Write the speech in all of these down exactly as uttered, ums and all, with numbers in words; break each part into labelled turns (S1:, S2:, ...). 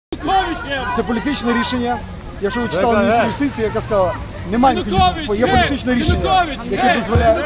S1: Це політичне рішення. Якщо ви читали міністра юстиції, яка сказала, немає ніякого, є політичне рішення, яке дозволяє...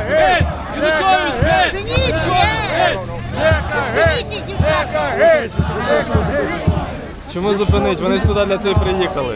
S2: Чому зупинить? Вони сюди для цього приїхали.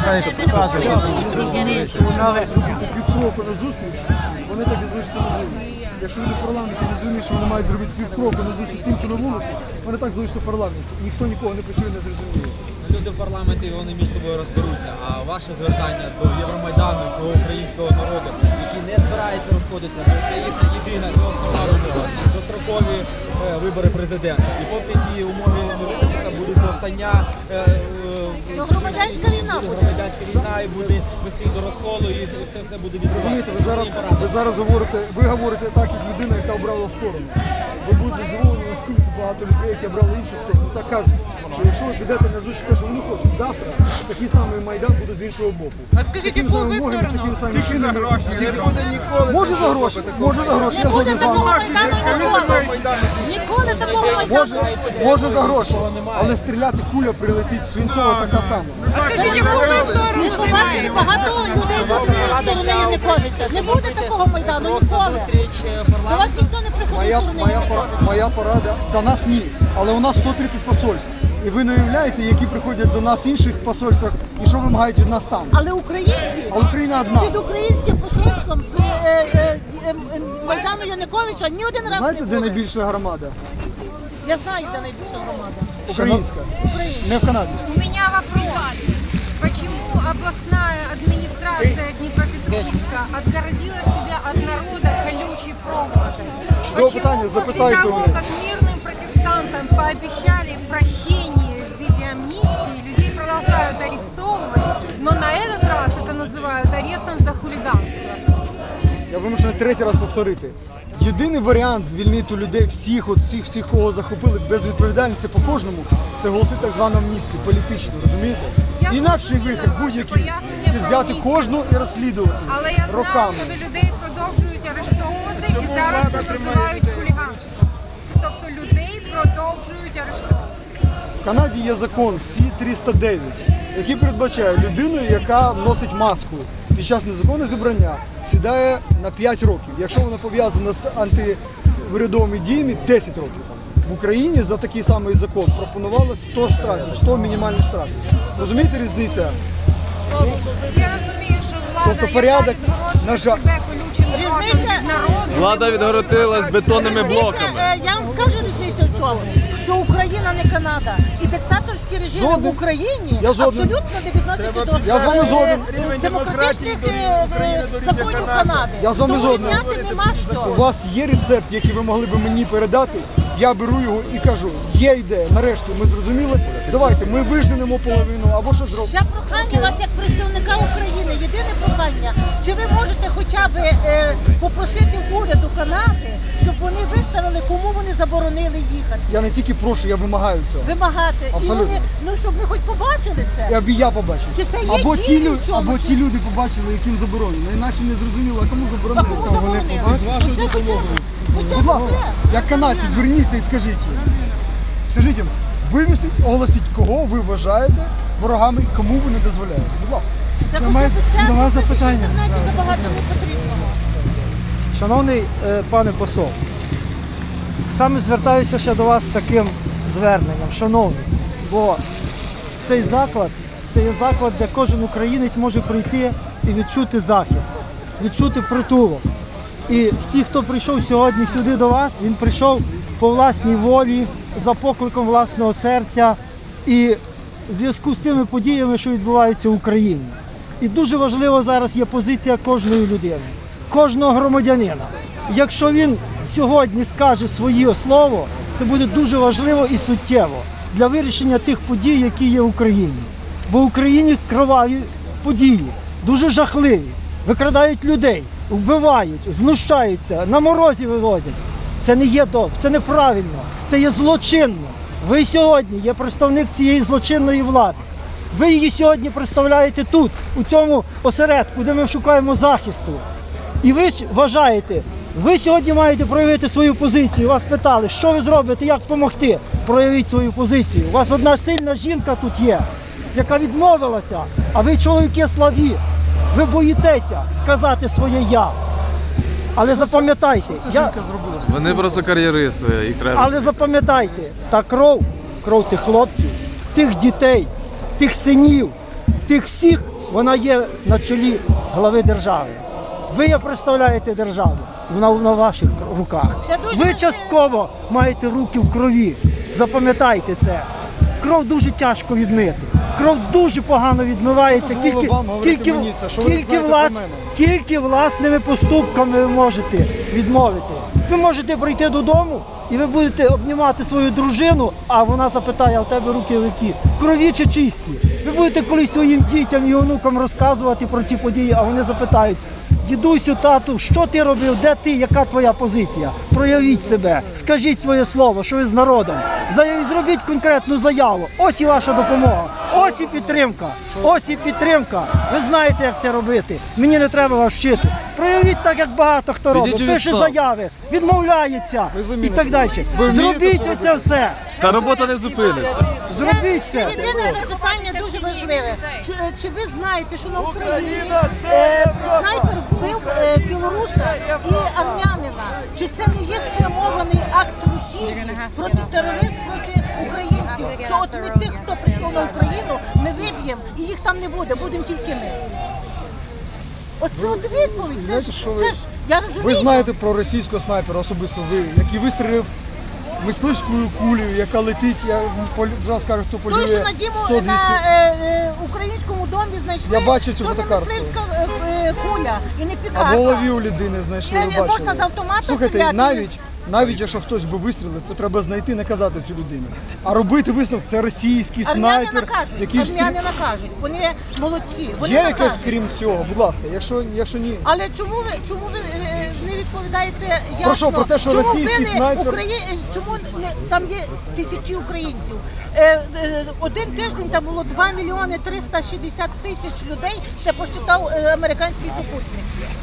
S1: Півкроку на зустріч, вони так і залишаться на вулиці. Якщо люди в парламенті не зрозуміють, що вони мають зробити півкроку на зустріч тим, що на вулиці, вони так залишаться в парламенті. Ніхто нікого не почує, не зрозуміє.
S3: Люди в парламенті, вони між собою розберуться, а ваше звертання до Євромайдану, свого українського народу, який не збирається розходитися, бо це їхня єдина основна вимога, дострокові е, вибори президента. І поки ті умови не виконуються, будуть повстання, е, е,
S4: громадянська війна.
S3: громадянська війна і буде вести до розколу, і все все буде відбуватися.
S1: Розумієте, ви зараз, ви зараз говорите, ви говорите так, як людина, яка обрала сторону. Ви будете здивовані, наскільки багато людей, які обрали іншу сторону, так кажуть, що якщо ви підете на зустріч, те, що вони хочуть, завтра такий самий Майдан буде з іншого боку.
S4: А скажіть, яку ви сторону?
S1: З такими самими шинами.
S3: Не буде ніколи.
S1: Може за гроші, може за гроші, я
S4: Не буде
S1: згоден з вами.
S4: такого Майдану ніколи. Ніколи такого Майдану.
S1: Може, може за гроші, але стріляти куля прилетить свинцова така сама.
S4: А скажіть, яку ви сторону? Ви побачили багато людей з цієї сторони Януковича. Не буде такого Майдану ніколи. До вас ніхто не приходить
S1: Моя,
S4: з сторони
S1: моя, пора-
S4: Януковича.
S1: моя порада, до нас ні, але у нас сто тридцять посольств. І ви не уявляєте, які приходять до нас в інших посольствах і що вимагають від нас там.
S4: Але українці
S1: А Україна одна.
S4: під українським посольством з е, е, е, е, Майдану Януковича ні один раз
S1: Знаєте,
S4: не
S1: де
S4: були.
S1: найбільша громада?
S4: Я знаю, де найбільша громада.
S1: Українська. Не в Канаді.
S5: У меня вопрос. Почему областная администрация Днепропетровска отгородила себя от народа колючей проволокой?
S1: Чудове питання,
S5: Почему
S1: запитайте
S5: после
S1: у
S5: того,
S1: мене.
S5: как мирным протестантам пообещали прощение в виде амнистии, людей продолжают арестовывать, но на этот раз это называют арестом за хулиганство?
S1: Я вимушений третій раз повторити. Єдиний варіант звільнити людей всіх, от всіх, всіх, кого захопили без відповідальності по кожному, це голосити так звану амністію, політичну, розумієте?
S5: Я
S1: Інакший
S5: зрозуміла
S1: вихід
S5: ваше
S1: будь-який
S5: пояснення
S1: це
S5: про
S1: взяти
S5: амністію.
S1: кожну і розслідувати
S5: Але я знаю,
S1: роками.
S5: що людей продовжують арештовувати і зараз це називають хуліганством. Тобто людей продовжують арештовувати.
S1: В Канаді є закон Сі триста дев'ять, який передбачає людину, яка носить маску під час незаконного зібрання, сідає на п'ять років. Якщо вона пов'язана з антиурядовими діями, десять років. В Україні за такий самий закон пропонувало сто штрафів, сто мінімальних штрафів. Розумієте різницю?
S5: Я розумію, що влада
S1: Тобто порядок,
S5: яка
S1: на жаль-
S5: себе колючим дротом від народу.
S2: Влада відгородилась бетонними блоками.
S4: Е, Я вам скажу різницю в чому, що Україна не Канада. І диктаторські режими
S1: Згоден.
S4: в Україні
S1: Я згоден.
S4: абсолютно не відносяться до
S1: Я з вами
S4: е,
S1: згоден.
S4: е, демократичних е, е, законів Канади.
S1: Я з вами
S4: Тому
S1: згоден.
S4: рівняти нема
S1: У
S4: що.
S1: вас є рецепт, який ви могли б мені передати, я беру його і кажу, є ідея, нарешті ми зрозуміли, давайте ми вижнемо половину або що зробимо.
S4: Ще прохання вас як представника України, єдине прохання, чи ви можете хоча б е, попросити уряду Канади, щоб вони виставили, кому вони заборонили їхати.
S1: Я не тільки прошу, я вимагаю цього.
S4: Вимагати. І
S1: Абсолютно.
S4: вони, ну щоб ми хоч побачили це.
S1: І аби я побачив.
S4: Чи це є
S1: або
S4: дії
S1: ті,
S4: в
S1: люди,
S4: цьому,
S1: або
S4: чи-
S1: ті люди побачили, яким заборонено. Інакше не зрозуміло, а кому
S4: А
S1: заборонено.
S4: кому
S1: Та вони
S4: заборонили?
S1: побачили.
S4: Оце хоча б- хоча
S1: Будь
S4: б
S1: ласка,
S4: це.
S1: як канадці, зверніться і скажіть їм. Скажіть їм, вивісіть, оголосіть, кого ви вважаєте ворогами і кому ви не дозволяєте. Будь ласка.
S4: Це
S6: До
S4: хоча
S6: мене-
S4: б це,
S6: до вас
S4: тому що
S6: запитання.
S4: в інтернеті забагато не потрібно.
S6: Шановний е, пане посол, саме звертаюся ще до вас з таким зверненням, шановний, бо цей заклад, це є заклад, де кожен українець може прийти і відчути захист, відчути притулок. І всі, хто прийшов сьогодні сюди до вас, він прийшов по власній волі, за покликом власного серця і в зв'язку з тими подіями, що відбуваються в Україні. І дуже важливо зараз є позиція кожної людини, кожного громадянина. Якщо він сьогодні скаже своє слово, це буде дуже важливо і суттєво для вирішення тих подій, які є в Україні. Бо в Україні кроваві події, дуже жахливі, викрадають людей, вбивають, знущаються, на морозі вивозять. Це не є добре, це неправильно, це є злочинно. Ви сьогодні є представник цієї злочинної влади. Ви її сьогодні представляєте тут, у цьому осередку, де ми шукаємо захисту. І ви ж вважаєте, Ви сьогодні маєте проявити свою позицію. Вас питали, що ви зробите, як допомогти. Проявіть свою позицію. У вас одна сильна жінка тут є, яка відмовилася, а ви, чоловіки, слабі. Ви боїтеся сказати своє «я». Але запам'ятайте,
S1: Це
S6: я...
S1: жінка зробила.
S2: Вони просто кар'єристи, їх треба.
S6: але запам'ятайте, та кров, кров тих хлопців, тих дітей, тих синів, тих всіх, вона є на чолі глави держави. Ви є представляєте державу, вона на ваших руках. Ви частково маєте руки в крові. Запам'ятайте це. Кров дуже тяжко відмити. Кров дуже погано відмивається,
S1: Дозволу
S6: тільки,
S1: вам говорити
S6: тільки,
S1: мені це, що ви
S6: тільки,
S1: знаєте
S6: влас,
S1: про мене.
S6: тільки власними поступками ви можете відмовити. Ви можете прийти додому і ви будете обнімати свою дружину, а вона запитає, а в тебе руки які? Крові чи чисті? Ви будете колись своїм дітям і онукам розказувати про ці події, а вони запитають, дідусю, тату, що ти робив, де ти, яка твоя позиція? Проявіть себе, скажіть своє слово, що ви з народом. Заявіть, зробіть конкретну заяву. Ось і ваша допомога, ось і підтримка, ось і підтримка. Ви знаєте, як це робити. Мені не треба вас вчити. Проявіть так, як багато хто робить.
S2: Підіть у
S6: Пише
S2: відставку.
S6: заяви, відмовляється і так далі.
S1: Ви вмієте
S6: Зробіть
S1: це
S6: це все.
S2: Та робота не зупиниться.
S6: Зробіть це.
S4: Єдине запитання дуже важливе. Чи, чи ви знаєте, що на Україні е, снайпер вбив е, білоруса і армянина? Чи це не є спрямований акт Росії проти терористів, проти українців? Що от ми тих, хто прийшов на Україну, ми виб'ємо і їх там не буде, будемо тільки ми. От це от відповідь. Це
S1: Знаєте,
S4: ж,
S1: що ви-
S4: це ж, я розумію.
S1: Ви знаєте про російського снайпера, особисто ви, який вистрілив мисливською кулею, яка летить, я зараз скажу, хто полює
S4: Той, що на діму
S1: сто двісті.
S4: на е, е, українському домі знайшли,
S1: Я бачу цю
S4: то не
S1: фотокартку.
S4: мисливська е, е, куля і не
S1: А в
S4: пікарка.
S1: голові у людини знайшли,
S4: Це
S1: ви бачили.
S4: можна з автомата
S1: Слухайте,
S4: стріляти?
S1: навіть, навіть якщо хтось би вистрілив, це треба знайти, не казати цю людину. А робити висновок, це російський
S4: Армяни
S1: снайпер,
S4: накажуть,
S1: який
S4: армяни
S1: встріл...
S4: накажуть, вони молодці, вони
S1: Є якесь
S4: накажуть.
S1: крім цього, будь ласка, якщо, якщо ні.
S4: Але чому ви чому ви е, не відповідаєте ясно?
S1: Про що? Про те, що
S4: чому
S1: російський
S4: били
S1: снайпер-
S4: Украї... Чому не там є тисячі українців? Е, е, один тиждень там було два мільйони триста шістдесят тисяч людей. Це посчитав е, американський супутник.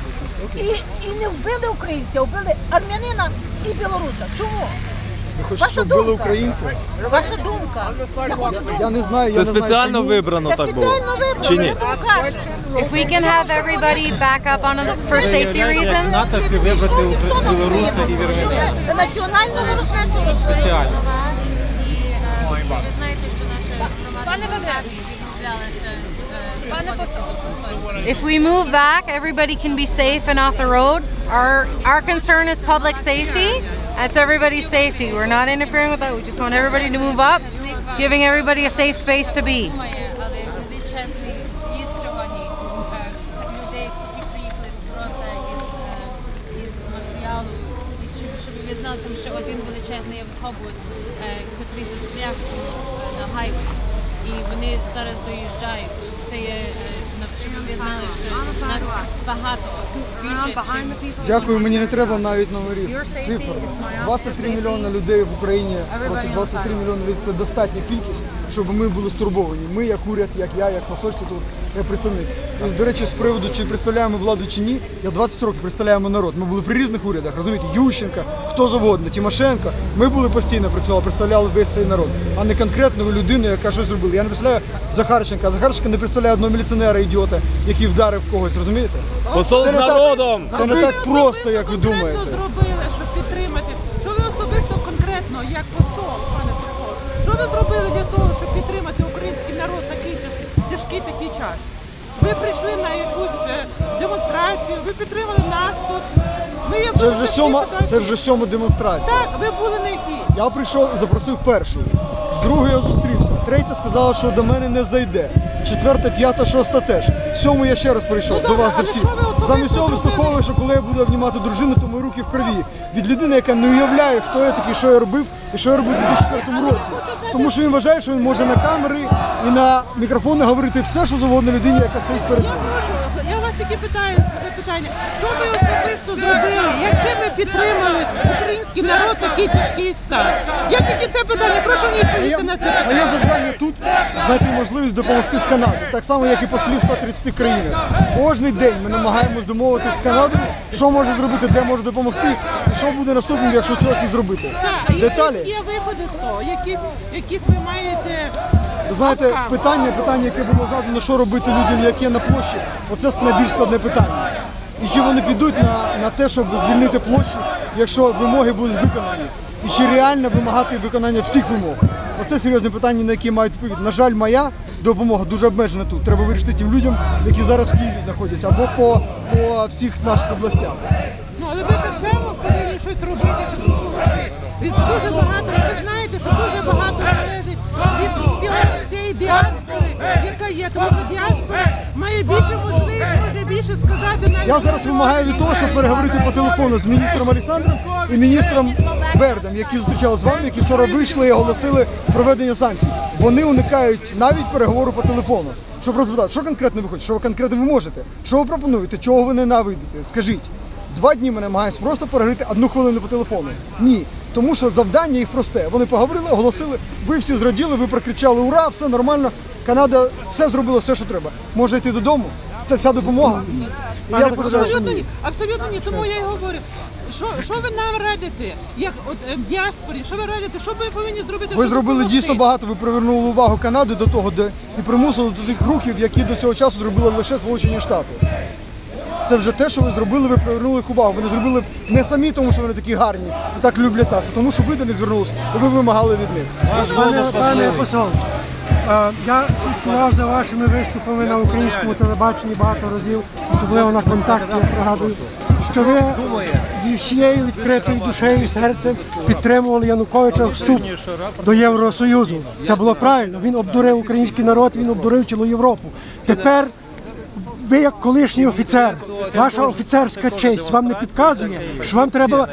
S4: І, і не вбили українця, вбили армянина і білоруса. Чому?
S1: Ви хочете,
S4: Ваша
S1: щоб били
S4: думка.
S1: українців?
S4: Ваша думка. Я хочу думку.
S1: Я не знаю, я
S2: Це
S1: не знаю,
S2: спеціально
S1: чому.
S2: вибрано
S4: Це
S2: так було.
S4: спеціально вибрано,
S2: Чи
S4: я
S2: ні?
S4: тому кажу.
S5: If we can have everybody back up on us for safety reasons.
S3: натовпі вибрати білоруса і вірменян.
S4: Національно виробничого.
S3: Спеціально.
S7: І е, ви знаєте, що наша громада відмовлялася виходити до просторів.
S5: If we move back, everybody can be safe and off the road. Our our concern is public safety. That's everybody's safety. We're not interfering with that. We just want everybody to move up, giving everybody a safe space to be.
S7: Думає, але величезний з'їзд сьогодні е, людей, які приїхали з фронту із, е, із матеріалу, і щоб, щоб ви знали, там ще один величезний автобус, е, який застряг е, на гайві. І вони зараз доїжджають. Це є, е, щоб ви знали, що нас багато, більше, чим
S1: Дякую, мені не треба навіть номерів. Цифр. двадцять три мільйони людей в Україні проти двадцять три мільйони людей – це достатня кількість, щоб ми були стурбовані. Ми, як уряд, як я, як посольство тут, як представник. І, до речі, з приводу, чи представляємо владу чи ні, я двадцять років представляємо народ. Ми були при різних урядах, розумієте, Ющенка, хто завгодно, Тимошенко. Ми були постійно працювали, представляли весь цей народ, а не конкретну людину, яка щось зробила. Я не представляю Захарченка, а Захарченка не представляє одного міліціонера, ідіота, який вдарив когось, розумієте?
S2: Посол з
S1: Це не так-
S2: народом!
S1: Це не так просто, як ви думаєте.
S8: Що зробили, щоб підтримати? Що ви особисто конкретно, як посол, пане посол? Що ви зробили для того, щоб підтримати український народ в такий тяж- тяжкий такий час? Ви прийшли на якусь е, демонстрацію, ви підтримали нас тут. Ми є
S1: Це
S8: в
S1: вже
S8: такій
S1: сьома,
S8: ситуації.
S1: це вже сьома демонстрація.
S8: Так, ви були на якій?
S1: Я прийшов і запросив першу. З другою я зустрівся. Третя сказала, що до мене не зайде. Четверта, п'ята, шоста теж. Сьому я ще раз прийшов
S8: Ну,
S1: до вас,
S8: добре,
S1: до
S8: але
S1: всіх.
S8: що ви особисто
S1: Замість цього
S8: зробили?
S1: вислуховую, що коли я буду обнімати дружину, то мої руки в крові. Від людини, яка не уявляє, хто я такий, що я робив і що я робив у дві тисячі четвертому році. Тому що він вважає, що він може на камери і на мікрофони говорити все, що завгодно людині, яка стоїть перед
S8: Я
S1: ним.
S8: прошу, я вас таки питаю таке питання. Що ви особисто зробили? Яким ви підтримали український народ в такий тяжкий стан? Я тільки це питання, прошу мені
S1: Моє,
S8: відповісти на це питання.
S1: моє завдання тут знайти можливість допомогти з Канади, так само, як і послів ста тридцяти країнах. Кожний день ми намагаємось домовитися з Канадою, що може зробити, де може допомогти, і що буде наступним, якщо чогось не зробити.
S8: Так,
S1: Деталі.
S8: якісь є виходи з того, якісь, якісь ви маєте.
S1: Ви знаєте, питання, питання, яке було задано, що робити людям, які на площі, оце найбільш складне питання. І чи вони підуть на, на те, щоб звільнити площу, якщо вимоги будуть виконані? І чи реально вимагати виконання всіх вимог? Оце серйозне питання, на які мають відповідь. На жаль, моя допомога дуже обмежена тут. Треба вирішити тим людям, які зараз в Києві знаходяться, або по, по всіх наших областях.
S8: Ну, але ви так само повинні щось робити, щоб допомогти. Від дуже багато, ви знаєте, що дуже багато залежить від всього цієї діаспори, яка є. Тому що діаспора має більше можливість, може більше сказати навіть.
S1: Я зараз вимагаю від того, щоб переговорити по телефону з міністром Олександром і міністром Бердом, які зустрічали з вами, які вчора вийшли і оголосили проведення санкцій. Вони уникають навіть переговору по телефону, щоб розпитати, що конкретно ви хочете, що ви конкретно ви можете, що ви пропонуєте, чого ви ненавидите. Скажіть. Два дні ми намагаємося просто переговорити одну хвилину по телефону. Ні. Тому що завдання їх просте. Вони поговорили, оголосили, ви всі зраділи, ви прокричали ура, все нормально. Канада все зробила, все, що треба. Може йти додому? Це вся допомога? І я так вважаю, що
S8: Абсолютно
S1: ні.
S8: ні, абсолютно ні. Тому я й говорю, що, що ви нам радите, як от е, в діаспорі, що ви радите, що ми повинні зробити?
S1: Ви
S8: щоб
S1: зробили
S8: допомогти?
S1: дійсно багато, ви привернули увагу Канади до того, де і примусили до тих рухів, які до цього часу зробили лише Сполучені Штати. Це вже те, що ви зробили, ви привернули їх увагу. Ви не зробили не самі, тому що вони такі гарні і так люблять нас, а тому що ви до них звернулися, і ви вимагали від них.
S6: Пане, пане посол, е, я слідкував за вашими виступами на українському телебаченні багато разів, особливо на контакті, я пригадую, що ви зі всією відкритою душею і серцем підтримували Януковича вступ до Євросоюзу. Це було правильно. Він обдурив український народ, він обдурив цілу Європу. Тепер ви, як колишній офіцер, ваша офіцерська честь вам не підказує, що вам треба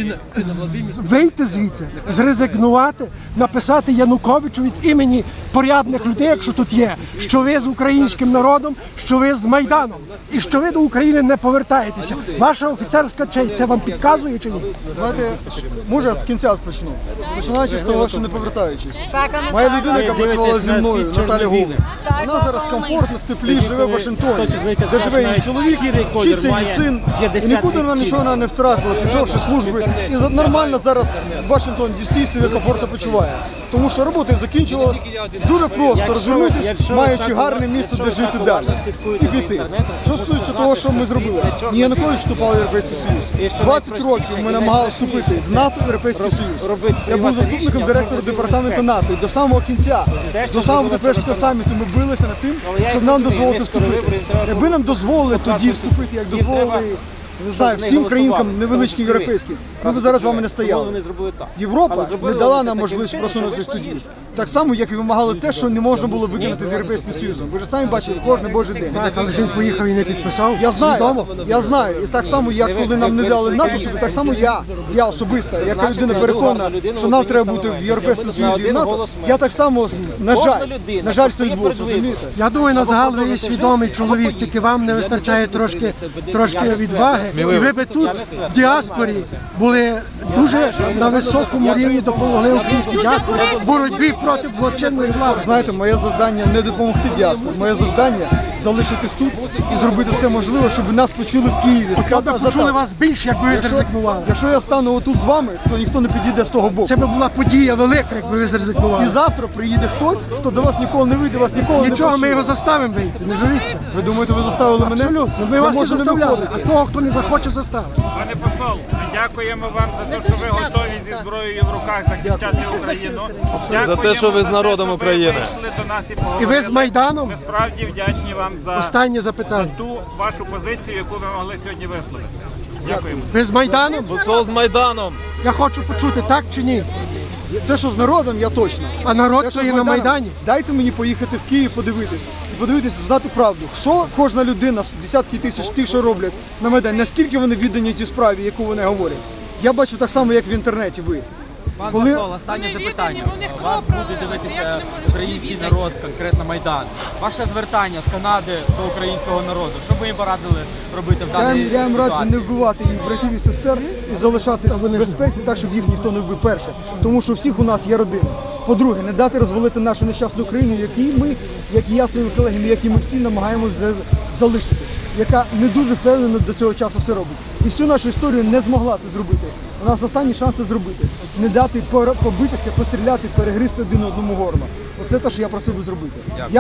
S6: з- вийти звідси, зрезигнувати, написати Януковичу від імені порядних людей, якщо тут є, що ви з українським народом, що ви з Майданом і що ви до України не повертаєтеся. Ваша офіцерська честь це вам підказує чи ні?
S1: Знаєте, може з кінця почну. Починаючи з того, що не повертаючись. Моя людина, яка працювала зі мною, Наталя Гул, вона зараз комфортно, в теплі, живе в Вашингтоні, де живе її чоловік, вчиться її син, і нікуди вона нічого не втратила, пішовши служби. І за- нормально зараз в Вашингтон Ді Сі себе комфортно почуває. Тому що робота закінчилась. Дуже просто розвернутися, маючи гарне місце, де жити далі. І піти. Що стосується того, що ми зробили? Ні Янукович вступав в Європейський Союз. двадцять років ми намагалися вступити в НАТО, в Європейський Союз. Я був заступником директора департаменту НАТО і до самого кінця, до самого Будапештського саміту ми билися над тим, щоб нам дозволити вступити. Якби нам дозволили тоді вступити, як дозволили, не знаю, всім країнкам невеличким європейським, ми б зараз з вами не стояли. Європа не дала нам можливість просунутися тоді. Так само, як і вимагали те, що не можна було виконати з Європейським Союзом. Ви ж самі бачили кожен божий день.
S6: Так, але ж він поїхав і не підписав.
S1: Я знаю,
S6: Свідомо.
S1: я знаю. І так само, як коли нам не дали НАТО собі, так само я, я особисто, яка людина переконана, що нам треба бути в Європейському Союзі і в НАТО, я так само, на жаль, на жаль, це відбулося, розумієте?
S6: Я думаю, на загал ви є свідомий чоловік, тільки вам не вистачає трошки, трошки відваги. І ви би тут, в діаспорі, були дуже на високому рівні, допомогли українській діаспорі в боротьбі проти злочинної влади.
S1: Знаєте, моє завдання не допомогти діаспорі, моє завдання залишитись тут і зробити все можливе, щоб нас почули в Києві.
S6: От
S1: Сказати,
S6: би почули вас більше, якби ви
S1: якщо,
S6: зрезигнували.
S1: якщо я стану отут з вами, то ніхто не підійде з того боку.
S6: Це би була подія велика, якби ви
S1: І
S6: зрезигнували.
S1: завтра приїде хтось, хто до вас ніколи не вийде, вас ніколи не
S6: Нічого, ми
S1: почує.
S6: його заставимо вийти, не журіться.
S1: Ви думаєте, ви заставили мене?
S6: Абсолютно, ми
S1: Я
S6: вас не
S1: можу
S6: заставляли,
S1: виходити.
S6: а того, хто не захоче, заставити.
S9: Пане посол, ми дякуємо вам за те, що ви готові зі зброєю в руках захищати Україну.
S2: За те, що ви з народом України.
S9: Ви вийшли до нас і
S6: І
S9: поговорили.
S6: ви з Майданом?
S9: Ми справді вдячні вам за,
S6: Останнє
S9: за
S6: запитання.
S9: ту вашу позицію, яку ви могли сьогодні висловити. Дякуємо.
S6: Ви з Майданом?
S2: Посол з Майданом.
S6: Я хочу почути, так чи ні?
S1: Те, що з народом, я точно.
S6: А народ
S1: Те, що
S6: то
S1: з
S6: є на
S1: Майданом,
S6: Майдані.
S1: Дайте мені поїхати в Київ, подивитись. І подивитись, знати правду. Що кожна людина, десятки тисяч тих, що роблять на Майдані, наскільки вони віддані тій справі, яку вони говорять. Я бачу так само, як в інтернеті ви.
S3: Пан
S1: Коли-
S3: посол, останнє
S8: Вони
S3: запитання.
S8: віддані, вони
S3: Вас
S8: хто
S3: буде
S8: правильно,
S3: дивитися
S8: як не можуть
S3: український
S8: бути
S3: народ, конкретно Майдан. Ваше звертання з Канади до українського народу. Що б ви їм порадили робити в
S1: Я
S3: даній
S1: їм, я їм раджу
S3: ситуації?
S1: не вбивати їх братів і сестер і залишатися в безпеці так, щоб їх ніхто не вбив перше. Тому що у всіх у нас є родини. По-друге, не дати розвалити нашу нещасну Україну, якій ми, як і я своїми колегами, як і ми всі намагаємося залишити, яка не дуже впевнено до цього часу все робить. І всю нашу історію не змогла це зробити. У нас останній шанс це зробити. Не дати пора- побитися, постріляти, перегризти один одному горло. Оце те, що я просив би зробити.